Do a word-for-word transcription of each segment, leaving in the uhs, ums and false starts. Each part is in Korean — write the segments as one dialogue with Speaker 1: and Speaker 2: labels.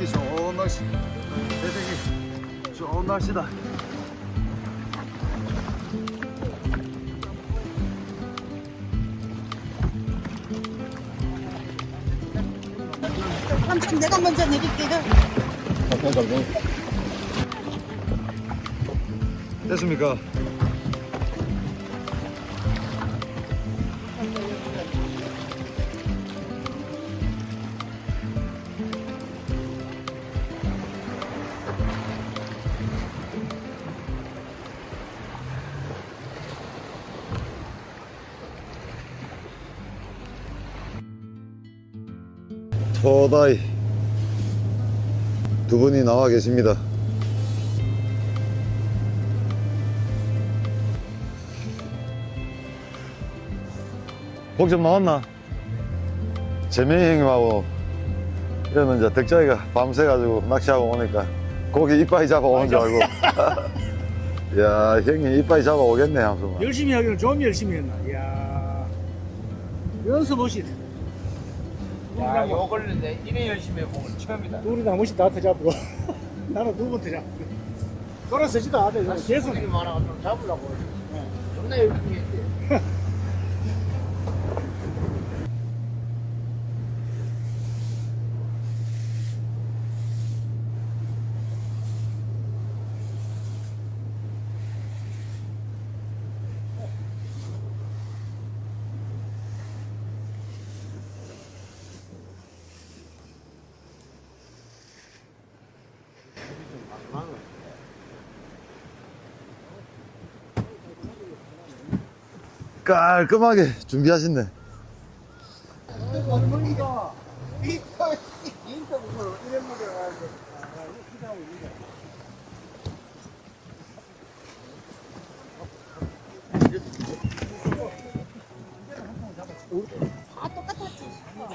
Speaker 1: 보기 좋은 날씨, 대생이 좋은 날씨다.
Speaker 2: 삼촌 내가 먼저 내릴게요.
Speaker 1: 됐습니까? 토다이 두 분이 나와 계십니다. 복좀 나왔나? 재명이 형님하고 이러면 이제 덕자이가 밤새가지고 낚시하고 오니까 고기 이빠이 잡아오는 줄 알고 야 형님 이빠이 잡아오겠네 하면서
Speaker 3: 열심히 하기는 좀 열심히 했나. 이야 연습 없이
Speaker 4: 야, 요걸 내 이래 열심히 해본 건 처음이다.
Speaker 3: 우리 나머지 다 터잡고 나는 두 번 터잡고 돌아서지도 않아. 계속
Speaker 4: 손이 많아서 좀 잡으려고. 존나 열심히 했대.
Speaker 1: 깔끔하게 준비하신네.
Speaker 4: 어머니가 인터 인터뷰로 이런 분들 가는데 기사하고 있는데.
Speaker 2: 다 똑같았지.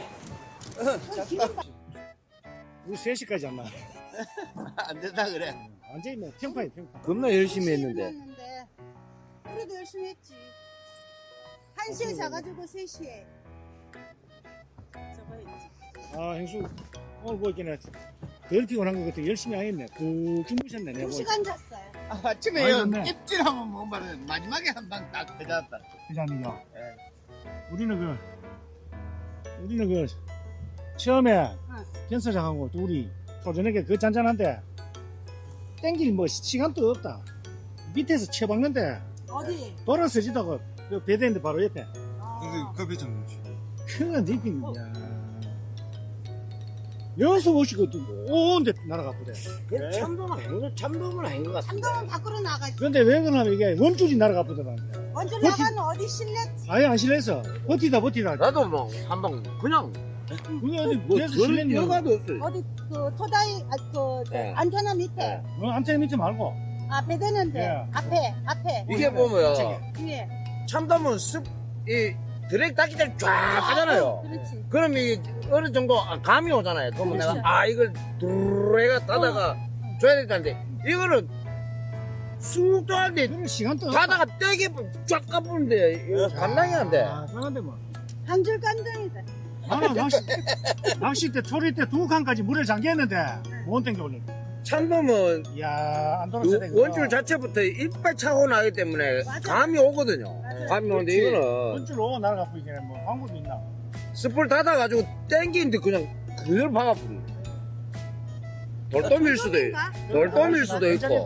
Speaker 3: 우리 세 시까지 안 나.
Speaker 4: 안 된다 그래.
Speaker 3: 완전히 뭐 평파이 평파.
Speaker 4: 겁나 열심히 했는데.
Speaker 2: 했는데. 그래도 열심히 했지. 한 시에 자가지고 세 시에. 저거 했지.
Speaker 3: 아 행수 오늘 보니까 덜 피곤한 것 같아. 열심히 하겠네. 그 주무셨네. 내가
Speaker 2: 두 시간 잤어요.
Speaker 4: 아, 아침에
Speaker 3: 아이,
Speaker 4: 요
Speaker 3: 좋네.
Speaker 4: 입질하면 뭐 말은 마지막에 한 방 딱 터졌다.
Speaker 3: 회장님요.
Speaker 4: 예.
Speaker 3: 우리는 그 우리는 그 처음에
Speaker 2: 응.
Speaker 3: 변사장하고 둘이 저녁에 그 잔잔한데 땡길 뭐 시간도 없다. 밑에서 쳐박는데
Speaker 2: 어디?
Speaker 3: 돌아서지다가 그 배대인데 바로 옆에
Speaker 2: 어.
Speaker 1: 그 배정 놓지.
Speaker 3: 큰 느낌. 야 연수 오시고 오는데 날아가거든.
Speaker 4: 그 참돔은 아닌 거 참돔은 아닌 것 같아.
Speaker 2: 참돔은 밖으로 나가지.
Speaker 3: 그런데 왜 그러냐면 이게 원줄이 날아가거든.
Speaker 2: 먼저
Speaker 3: 버티-
Speaker 2: 나가면 어디 실냈지?
Speaker 3: 아예 안 실내서 버티다 버티다.
Speaker 4: 나도 뭐 한 방 그냥
Speaker 3: 그게 어디
Speaker 4: 뭐
Speaker 3: 계속
Speaker 4: 별
Speaker 3: 실내는
Speaker 4: 여가도 없어요.
Speaker 2: 어디 그 토다이 아, 그
Speaker 4: 네.
Speaker 2: 안테나 밑에.
Speaker 4: 네.
Speaker 3: 어, 안테나 밑에 말고
Speaker 2: 아 배대는데
Speaker 3: 예.
Speaker 2: 앞에 앞에
Speaker 4: 이게 보면
Speaker 2: 위에.
Speaker 4: 참돔은 습이 드랙 닿기 전에 쫙 하잖아요.
Speaker 2: 그렇지.
Speaker 4: 그럼 이 어느 정도 감이 오잖아요. 그러면
Speaker 2: 그렇죠.
Speaker 4: 내가 아 이걸 두루해가 따다가 줘야 되는데 이거는 쑥 떠는데
Speaker 3: 그럼 시간도
Speaker 4: 가다가 떼게 쫙 까부는데 이거 감당이 안 돼.
Speaker 3: 아, 그런데 뭐
Speaker 2: 한 줄 깐등이다.
Speaker 3: 나는 낚시 낚시 때 초리 때 두 칸까지 물에 잠겼는데 못 땡겨 올려.
Speaker 4: 참돔은
Speaker 3: 이야 안
Speaker 4: 요
Speaker 3: 돌아서 되겠다.
Speaker 4: 원줄 자체부터 이빨 차고 나기 때문에
Speaker 2: 맞아.
Speaker 4: 감이 오거든요.
Speaker 2: 맞아.
Speaker 4: 감이 오는데
Speaker 3: 그렇지.
Speaker 4: 이거는
Speaker 3: 원줄 오고 날아가 보이게 뭐 방법이 있나?
Speaker 4: 스풀 닫아가지고 땡기는데 그냥 그걸 박아버리네. 돌돔일 수도 있고 돌돔일 수도 있고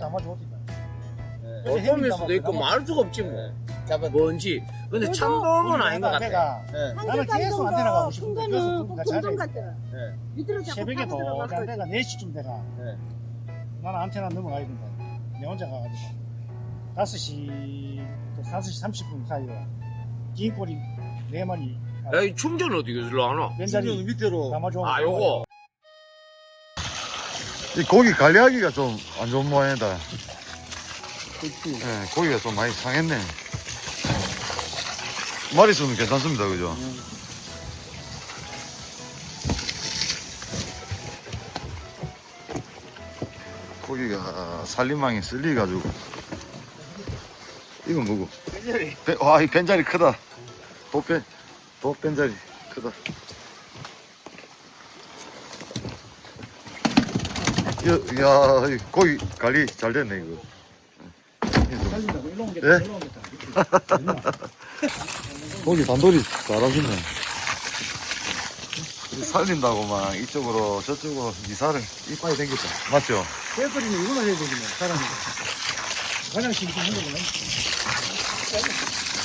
Speaker 4: 돌돔일 수도 있고 말 수가 없지 뭐. 뭔지. 근데
Speaker 2: 그래도
Speaker 4: 참돔은 아닌 것 같아.
Speaker 3: 나는 계속 안테나 가고
Speaker 2: 큰
Speaker 3: 싶은데
Speaker 2: 거는
Speaker 3: 계속
Speaker 2: 꼭
Speaker 3: 누군가
Speaker 2: 동동
Speaker 3: 자자.
Speaker 2: 같더라.
Speaker 4: 네.
Speaker 2: 밑으로 자꾸
Speaker 3: 새벽에
Speaker 2: 파고 들어가고.
Speaker 3: 도장 때가 네 시쯤 돼가.
Speaker 4: 네.
Speaker 3: 나는 안테나 넘어가야 된다. 내 혼자 가가지고 다섯 시부터 다섯 시 삼십 분 사이에 긴 꼬리 네 마리
Speaker 4: 야, 이 충전 어떻게 일로 안 와?
Speaker 3: 왼자리
Speaker 1: 밑으로.
Speaker 3: 담아줘.
Speaker 4: 아, 요거.
Speaker 1: 이 고기 관리하기가 좀 안 좋은 모양이다. 네, 고기가 좀 많이 상했네. 마리수는 괜찮습니다, 그죠? 고기가 살림망이 쓸리가지고. 이건 뭐고?
Speaker 4: 벤자리.
Speaker 1: 벤- 와, 이 벤자리 크다. 도벤, 도벤자리 크다. 야, 이 고기 관리 잘 됐네, 이거.
Speaker 3: 살린다고 일로 옮겼다.
Speaker 1: 예?
Speaker 3: 일로 옮겼다.
Speaker 1: 고기 단돌이 잘하시네. 살린다고 막 이쪽으로 저쪽으로 이사를 이빨이 댕겼다. 맞죠?
Speaker 3: 뺄거리는 이걸로 해야 되겠네. 사람이. 화장실이 좀 한거구나.